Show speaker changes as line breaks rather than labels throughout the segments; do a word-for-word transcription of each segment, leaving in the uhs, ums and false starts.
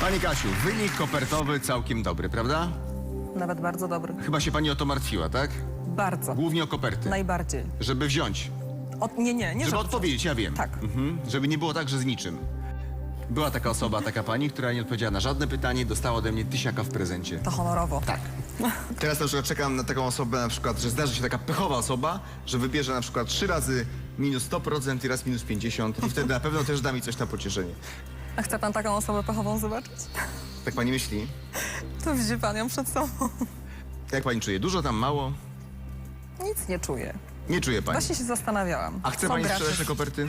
Pani Kasiu, wynik kopertowy całkiem dobry, prawda?
Nawet bardzo dobry.
Chyba się pani o to martwiła, tak?
Bardzo.
Głównie o koperty.
Najbardziej.
Żeby wziąć.
Od, nie, nie, nie.
Żeby
żeby
odpowiedzieć, ja wiem.
Tak.
Mhm. Żeby nie było tak, że z niczym. Była taka osoba, taka pani, która nie odpowiedziała na żadne pytanie i dostała ode mnie tysiaka w prezencie.
To honorowo.
Tak. Teraz na przykład czekam na taką osobę, na przykład, że zdarzy się taka pechowa osoba, że wybierze na przykład trzy razy minus sto procent i raz minus pięćdziesiąt i wtedy na pewno też da mi coś na pocieszenie.
A chce pan taką osobę pechową zobaczyć?
Tak pani myśli?
To widzi pan ją przed sobą.
Jak pani czuje? Dużo tam, mało?
Nic nie czuję.
Nie czuje pani.
Właśnie się zastanawiałam.
A chce
co
pani
gratis.
sprzedać te koperty?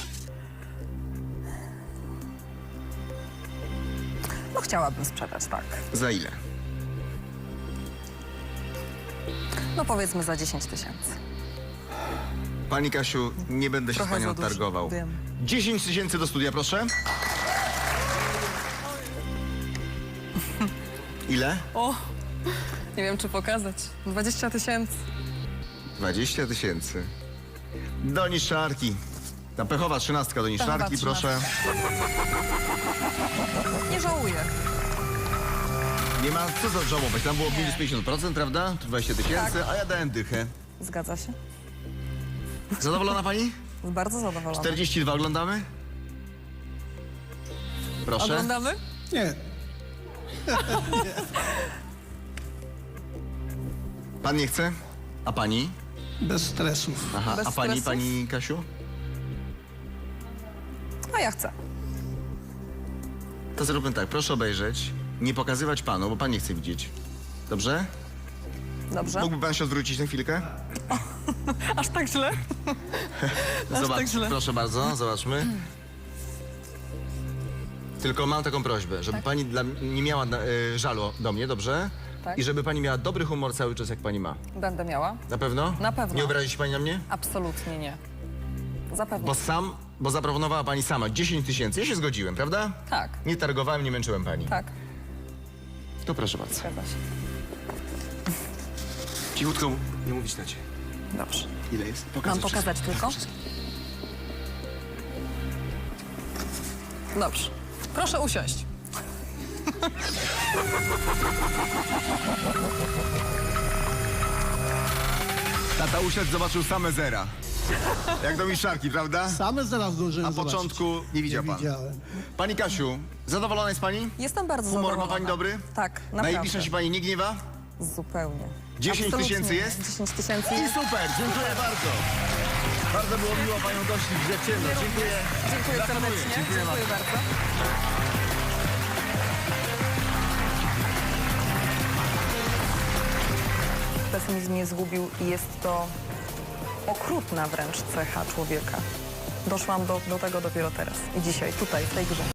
No chciałabym sprzedać, tak.
Za ile?
No powiedzmy za dziesięć tysięcy.
Pani Kasiu, nie będę się z
Trochę
panią
za dużo,
targował.
wiem.
dziesięć tysięcy do studia, proszę. Ile?
O, nie wiem czy pokazać. dwadzieścia tysięcy.
dwadzieścia tysięcy. Do niszczarki. Ta pechowa trzynastka do niszczarki,
Pechowa
proszę.
Nie żałuję.
Nie ma co za żałować. Tam było minus pięćdziesiąt procent, prawda? Tu dwadzieścia tysięcy,
Tak.
a ja dałem dychę.
Zgadza się.
Zadowolona pani?
Jest bardzo zadowolona.
czterdzieści dwa oglądamy? Proszę.
Oglądamy?
Nie.
Pan nie chce? A pani?
Bez stresów.
Aha,
Bez
a pani,
stresów?
pani Kasiu?
A ja chcę.
To zróbmy tak, proszę obejrzeć, nie pokazywać panu, bo pan nie chce widzieć. Dobrze?
Dobrze?
Mógłby pan się odwrócić na chwilkę?
Aż tak źle? Aż
Zobacz,
tak źle.
proszę bardzo, zobaczmy. Tylko mam taką prośbę, żeby pani dla, nie miała y, żalu do mnie, dobrze?
Tak.
I żeby pani miała dobry humor cały czas, jak pani ma.
Będę miała?
Na pewno?
Na pewno.
Nie obrazi się pani na mnie?
Absolutnie nie. Zapewne.
Bo sam, bo zaproponowała pani sama dziesięć tysięcy. Ja się zgodziłem, prawda?
Tak,
Nie targowałem, nie męczyłem pani.
tak.
To proszę bardzo.
Zgadza się.
Cichutko, nie mówić na cię.
Dobrze.
Ile jest?
Mam pokazać tylko? Dobrze. Proszę usiąść.
Tata usiadł, zobaczył same zera. Jak do miszarki, prawda?
Same zaraz zdążyłem
Na
zobaczyć.
początku nie widział
Nie
pan.
widziałem.
Pani Kasiu, zadowolona jest pani?
Jestem bardzo
Humor ma
zadowolona.
pani dobry?
Tak, naprawdę.
Najbliższa się pani nie gniewa?
Zupełnie.
dziesięć
Absolutnie
tysięcy
nie.
jest?
dziesięć tysięcy
I
jest.
super, dziękuję bardzo. Bardzo było miło panią gościć w ciemno. Dziękuję.
Dziękuję
Gratuluję.
serdecznie.
Dziękuję
Dziękuję bardzo. Pesymizm mnie zgubił i jest to okrutna wręcz cecha człowieka. Doszłam do, do tego dopiero teraz i dzisiaj, tutaj, w tej grze.